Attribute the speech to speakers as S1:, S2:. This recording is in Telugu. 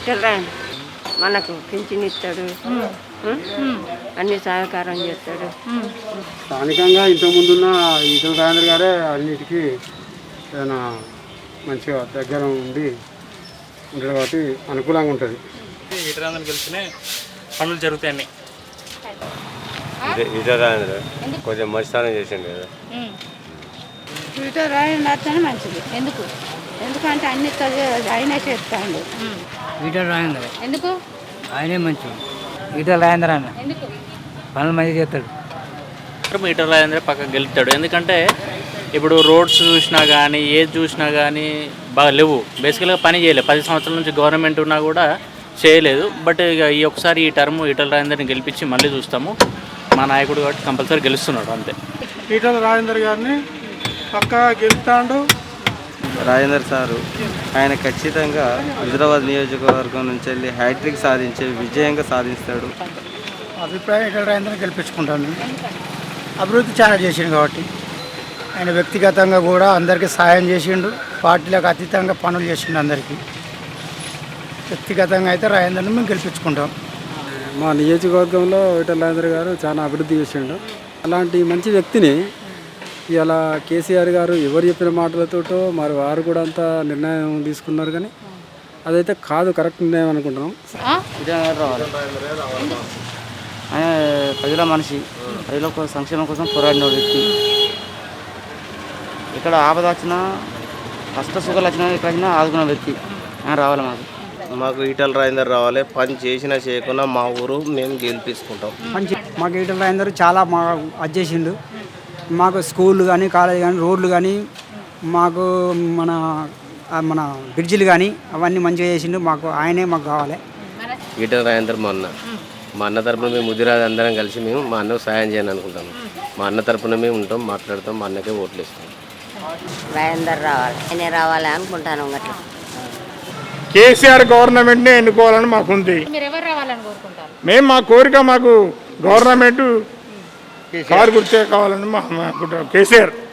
S1: మనకు పింఛన్ ఇస్తాడు, అన్ని సహకారం చేస్తాడు.
S2: స్థానికంగా ఇంతకుముందున్న ఈటల రాజేందర్ గారే అన్నిటికీ ఏదైనా మంచిగా దగ్గర ఉండి ఉంటుంది కాబట్టి అనుకూలంగా ఉంటుంది.
S3: ఈటల రాజేందర్ గెలిచినే పనులు జరుగుతాయి అన్నీ.
S4: ఈటల రాజేందర్ కొంచెం మంచితనం చేసిండు కదా.
S1: ఈటల రాజేందర్ మంచిది. ఎందుకంటే అన్ని ఆయనే చేస్తాడు.
S5: ఈటల రాజేందర్
S6: ఎందుకు?
S5: ఆయనే మంచి ఈటల రాజేందర్ అన్న
S6: ఎందుకు?
S5: పనులు మంచిగా చేస్తాడు.
S3: ఈటల రాజేందర్ పక్కకు గెలుస్తాడు. ఎందుకంటే ఇప్పుడు రోడ్స్ చూసినా కానీ ఏది చూసినా కానీ బాగా లేవు. బేసికల్గా పని చేయలేదు. 10 సంవత్సరాల నుంచి గవర్నమెంట్ ఉన్నా కూడా చేయలేదు. బట్ ఇక ఈ ఒకసారి ఈ టర్మ్ ఈటల రాజేందర్ని గెలిపించి మళ్ళీ చూస్తాము. మా నాయకుడు కాబట్టి కంపల్సరీ గెలుస్తున్నాడు అంతే.
S2: ఈటల రాజేందర్ గారిని పక్కా గెలుస్తాడు.
S7: రాజేందర్ సారు ఆయన ఖచ్చితంగా హైదరాబాద్ నియోజకవర్గం నుంచి వెళ్ళి హ్యాట్రిక్ సాధించే విజయంగా సాధిస్తాడు.
S2: అభిప్రాయం ఈటల రాజేందర్ని గెలిపించుకుంటాను. అభివృద్ధి చాలా చేసిండు కాబట్టి ఆయన వ్యక్తిగతంగా కూడా అందరికీ సాయం చేసిండు. పార్టీలకు అతీతంగా పనులు చేసిండు అందరికీ. వ్యక్తిగతంగా అయితే రాజేందర్ని మేము గెలిపించుకుంటాం.
S8: మా నియోజకవర్గంలో ఈటల రాజేందర్ గారు చాలా అభివృద్ధి చేసిండు. అలాంటి మంచి వ్యక్తిని ఇలా కేసీఆర్ గారు ఎవరు చెప్పిన మాటలతోటో మరి వారు కూడా అంత నిర్ణయం తీసుకున్నారు. కానీ అదైతే కాదు, కరెక్ట్ నిర్ణయం అనుకుంటున్నాం.
S5: ఆయన ప్రజల మనిషి, ప్రజల సంక్షేమం కోసం పోరాడిన వ్యక్తి. ఇక్కడ ఆపద వచ్చినా, కష్ట సుఖాలు వచ్చినా, ఎక్కడ వచ్చినా ఆదుకున్న వ్యక్తి. ఆయన రావాలి
S7: మాకు ఈటల రాజేందర్ రావాలి. పని చేసినా చేయకుండా మా ఊరు మేము గెలిపించుకుంటాం.
S5: మాకు ఈటల రాజేందర్ చాలా అది చేసిండు. మాకు స్కూళ్ళు కానీ, కాలేజ్ కానీ, రోడ్లు కానీ, మాకు మన బ్రిడ్జిలు కానీ అవన్నీ మంచిగా చేసిండు. ఆయనే మాకు కావాలి.
S4: ఈటల రాజేందర్ మా అన్న తరపున మేము ముదిరాజు అందరం కలిసి మేము మా అన్నకు సాయం చేయాలని అనుకుంటాము. మా అన్న తరపున మేము ఉంటాం, మాట్లాడతాం, మా అన్నకే ఓట్లు ఇస్తాం.
S1: రాజేందర్ రావాలి, ఆయనే రావాలి అనుకుంటాను. అట్లా
S2: కేసీఆర్ గవర్నమెంట్నే ఎన్నుకోవాలని మాకుంది.
S6: మీరు ఎవరు రావాలని కోరుకుంటారు?
S2: మేము మా కోరిక మాకు గవర్నమెంట్ కారు గుర్తే కావాలని మా అనుకుంటాం. కేసీఆర్